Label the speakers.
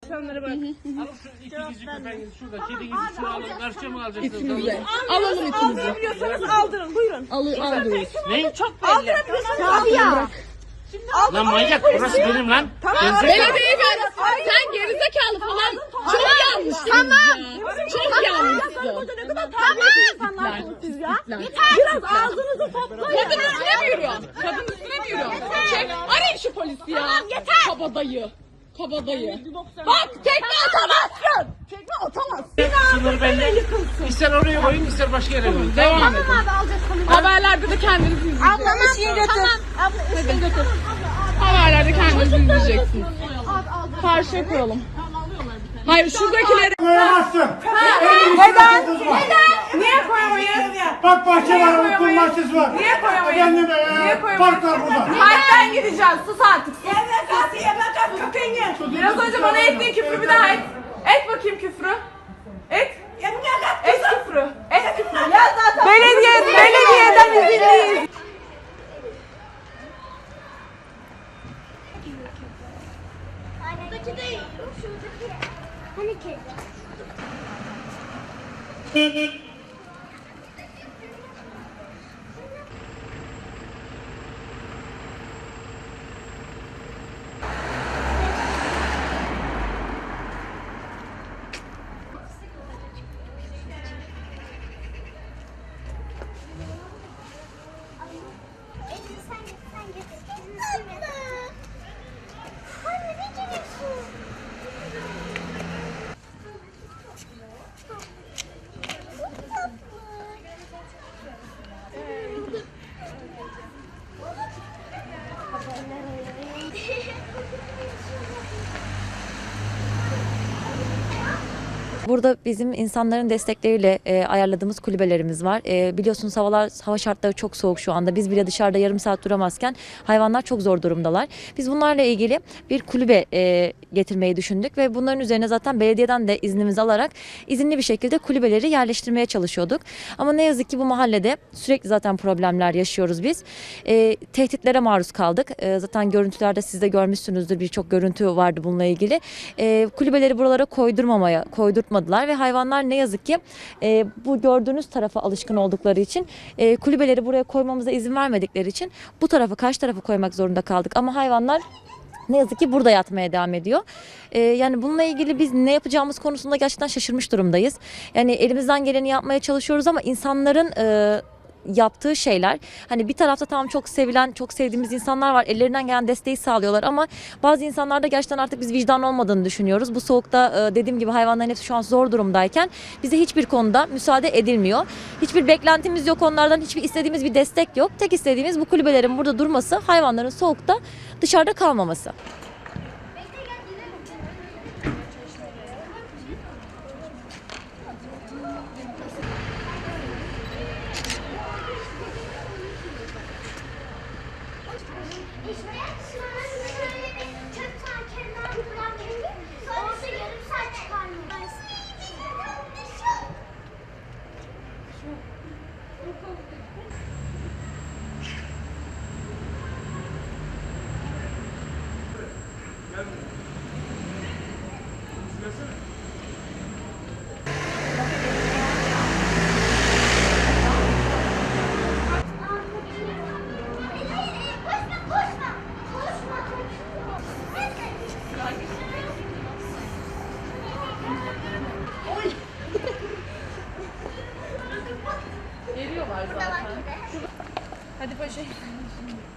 Speaker 1: İnsanlara bak.
Speaker 2: Alın şu ikinizi köpeğinizi şurada. Kedinizi şuraya alın. Karşıya mı alacaksınız?
Speaker 1: Alalım ikimizi. Aldırabiliyorsanız aldırın. Buyurun.
Speaker 3: Alıyoruz.
Speaker 2: Ne?
Speaker 1: Çok belli. Aldırabiliyorsanız
Speaker 3: Abi ya.
Speaker 2: Lan manyak burası benim lan.
Speaker 3: Belediye ver. Sen gerizekalı falan. Çok yanlışsınız ya. Çok yanlışsın.
Speaker 1: Ne kadar terbiyesiz insanlarsınız siz ya. Biraz ağzınızı toplayın.
Speaker 3: Kadın üstüne mi yürüyor? Kadın üstüne mi yürüyor? Arayın şu polisi ya.
Speaker 1: Yeter.
Speaker 3: Kabadayı. Kabadayı. Bak tekme atamazsın. Tekme atamazsın.
Speaker 2: Sınır belli. İster oraya koyun ister başka yere koyun. Devam edin.
Speaker 3: Haberlerde de kendiniz izleyeceksiniz.
Speaker 1: Ablam işini götür. Abla işini götür.
Speaker 3: Haberlerde kendiniz izleyeceksiniz. Karşıya koyalım. Hayır şuradakileri...
Speaker 4: Koyamazsın.
Speaker 1: Neden? Niye koyamayız?
Speaker 4: Bak bahçe var, okul bahçesi var.
Speaker 1: Niye koyamayız?
Speaker 4: Efendim,
Speaker 1: Niye koyamayız?
Speaker 4: park var burada.
Speaker 1: Kalpten gideceğiz. Sus artık. Biraz önce bana ettiğin küfrü bir daha et. Et bakayım küfrü. Et. Et küfrü. Et küfrü. Belediyeden izinliyiz.
Speaker 5: Buradaki değil, şuradaki. Hani kedi? Sen git. Anne ne geliyorsun?
Speaker 6: Burada bizim insanların destekleriyle ayarladığımız kulübelerimiz var. Biliyorsunuz hava şartları çok soğuk şu anda. Biz bile dışarıda yarım saat duramazken hayvanlar çok zor durumdalar. Biz bunlarla ilgili bir kulübe getirmeyi düşündük ve bunların üzerine zaten belediyeden de iznimizi alarak izinli bir şekilde kulübeleri yerleştirmeye çalışıyorduk. Ama ne yazık ki bu mahallede sürekli zaten problemler yaşıyoruz biz. Tehditlere maruz kaldık. Zaten görüntülerde siz de görmüşsünüzdür, birçok görüntü vardı bununla ilgili. Kulübeleri buralara koydurtmadılar ve hayvanlar ne yazık ki bu gördüğünüz tarafa alışkın oldukları için kulübeleri buraya koymamıza izin vermedikleri için bu tarafa, karşı tarafa koymak zorunda kaldık. Ama hayvanlar ne yazık ki burada yatmaya devam ediyor. Yani bununla ilgili biz ne yapacağımız konusunda gerçekten şaşırmış durumdayız. Yani elimizden geleni yapmaya çalışıyoruz ama insanların yaptığı şeyler, hani bir tarafta tamam çok sevilen, çok sevdiğimiz insanlar var, ellerinden gelen desteği sağlıyorlar ama bazı insanlarda gerçekten artık biz vicdan olmadığını düşünüyoruz. Bu soğukta dediğim gibi hayvanların hepsi şu an zor durumdayken bize hiçbir konuda müsaade edilmiyor. Hiçbir beklentimiz yok onlardan, hiçbir istediğimiz bir destek yok. Tek istediğimiz bu kulübelerin burada durması, hayvanların soğukta dışarıda kalmaması.
Speaker 3: Geliyorlar zaten. Hadi paşa.